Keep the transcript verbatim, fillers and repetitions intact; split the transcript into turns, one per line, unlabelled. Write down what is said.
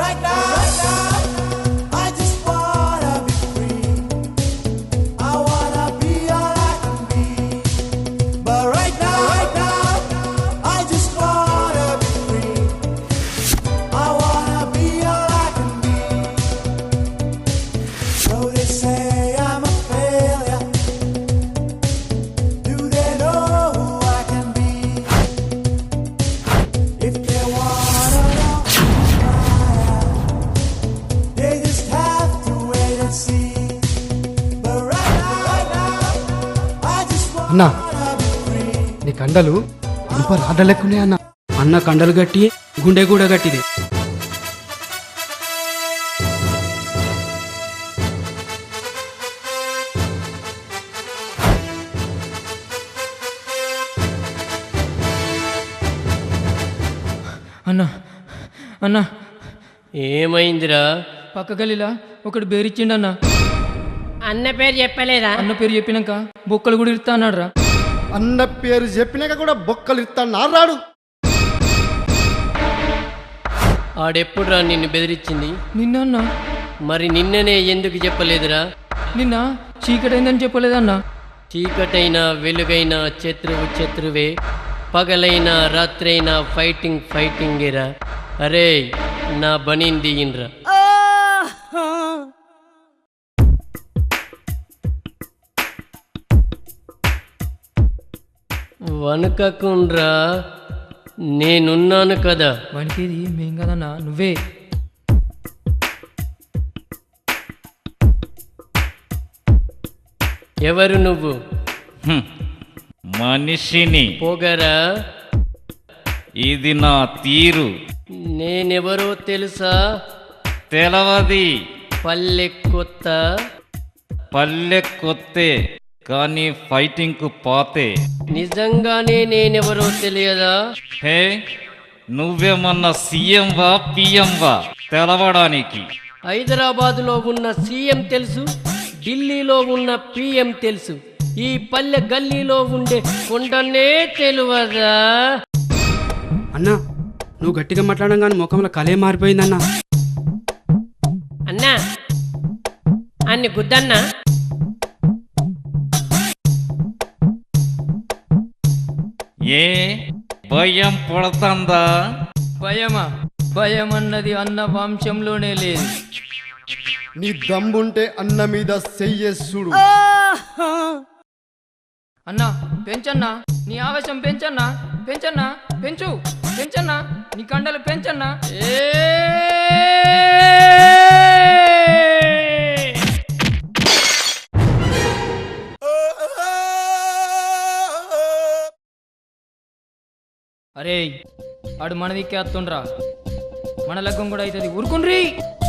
అన్నా నీ కండలు ఇనుప రాడ్డ లెక్కునే అన్న.
అన్న కండలు గట్టి గుండె కూడా గట్టిది. అన్న అన్న
ఏమైందిరా?
పక్క గల్లీలా ఒకటి బేరిచ్చిండన్న.
అన్న పేరు చెప్పలేదా?
అన్న పేరు చెప్పినాక బొక్కలు కూడా ఇస్తా అన్నాడు రా.
అన్న పేరు చెప్పినాక కూడా బొక్కలు ఇస్తాను నారాడు.
ఆడెప్పుడురా నిన్ను బెదిరించింది?
నిన్న అన్న.
మరి నిన్ననే ఎందుకు చెప్పలేదురా?
నిన్న చీకటైందని చెప్పలేదన్నా.
చీకటైనా వెలుగైనా శత్రువు శత్రువే, పగలైనా రాత్రైనా ఫైటింగ్ ఫైటింగేరా. అరే నా బనీన్ దిగిన్రా. వనకకుండ్రా, నేనున్నాను కదా.
వానికేది మేం కదన్నా, నువ్వే.
ఎవరు నువ్వు?
మనిషిని.
పోగరా,
ఇది నా తీరు.
నేనెవరో తెలుసా?
తెలవది.
పల్లె కొత్త.
పల్లె కొత్తే కానీ ఫైటింగ్ కు పాతే.
నిజంగానే నేనెవరో తెలియదా?
హే, నువ్వేమన్నా సీఎం వా పిఎం వా తెలవడానికి?
హైదరాబాదులో ఉన్న సీఎం తెలుసు, ఢిల్లీలో ఉన్న పిఎం తెలుసు, ఈ పల్లె గల్లీలో ఉండే కొండనే తెలియదా?
అన్నా నువ్వు గట్టిగా మాట్లాడడం కానీ ముఖంలో కలే మారిపోయిందన్నా.
అన్నా అన్ని గుద్దన్నా.
ఏ భయం పడుతుందా?
భయమా? భయం అన్నది అన్న వంశంలోనే లేదు.
నీ దమ్ముంటే అన్న మీద చెయ్యేసుడు.
అన్నా పెంచన్నా, నీ ఆవేశం పెంచన్నా, పెంచన్నా, పెంచు పెంచన్నా, నీ కండలు పెంచన్నా. అరే ఆడు మన దిక్కే వస్తుండ్రా, మన లగ్గం కూడా అవుతుంది. ఊరుకుండ్రీ.